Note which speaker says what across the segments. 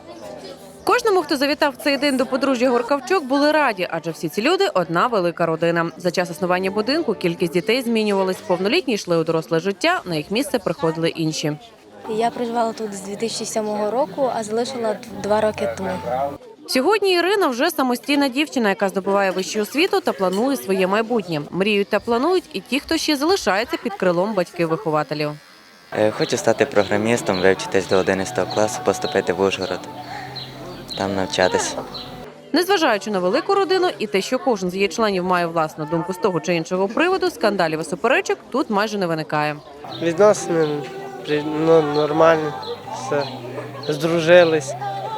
Speaker 1: Кожному, хто завітав в цей день до подружжя Горкавчук, були раді, адже всі ці люди – одна велика родина. За час існування будинку кількість дітей змінювалась. Повнолітні йшли у доросле життя, на їх місце приходили інші.
Speaker 2: Я проживала тут з 2007 року, а залишила 2 роки тому.
Speaker 1: Сьогодні Ірина вже самостійна дівчина, яка здобуває вищу освіту та планує своє майбутнє. Мріють та планують і ті, хто ще залишається під крилом батьків-вихователів.
Speaker 3: Хочу стати програмістом, вивчитись до 11 класу, поступити в Ужгород, там навчатися.
Speaker 1: Незважаючи на велику родину і те, що кожен з її членів має власну думку з того чи іншого приводу, скандалів і суперечок тут майже не виникає.
Speaker 4: Відносини нормальні, все, здружились,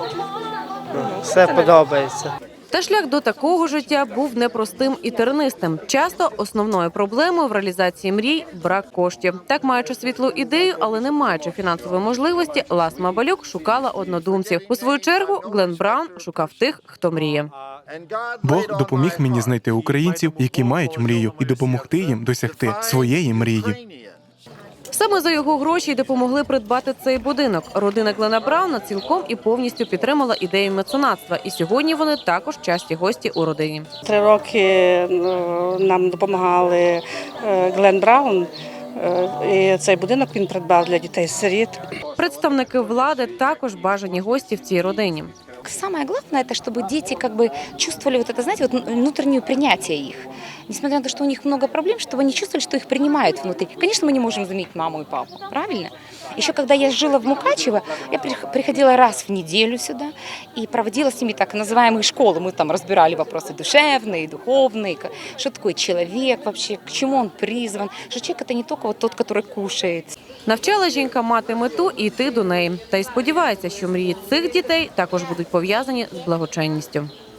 Speaker 4: все подобається.
Speaker 1: Та шлях до такого життя був непростим і тернистим. Часто основною проблемою в реалізації мрій – брак коштів. Так, маючи світлу ідею, але не маючи фінансової можливості, Ласма Балюк шукала однодумців. У свою чергу Глен Браун шукав тих, хто мріє.
Speaker 5: Бог допоміг мені знайти українців, які мають мрію, і допомогти їм досягти своєї мрії.
Speaker 1: Саме за його гроші й допомогли придбати цей будинок. Родина Глена Брауна цілком і повністю підтримала ідею меценатства. І сьогодні вони також часті гості у родині.
Speaker 6: 3 роки нам допомагали Глен Браун. І цей будинок він придбав для дітей-сиріт.
Speaker 1: Представники влади також бажані гості в цій родині.
Speaker 7: Самое главное, это чтобы дети чувствовали внутреннее принятие их. Несмотря на то, что у них много проблем, чтобы они чувствовали, что их принимают внутри. Конечно, мы не можем заменить маму и папу, правильно? Еще когда я жила в Мукачево, я приходила раз в неделю сюда и проводила с ними так называемые школы. Мы там разбирали вопросы душевные, духовные, что такое человек вообще, к чему он призван, что человек это не только тот, который кушает.
Speaker 1: Навчала жінка мати мету і йти до неї. Та й сподівається, що мрії цих дітей також будуть пов'язані з благочинністю.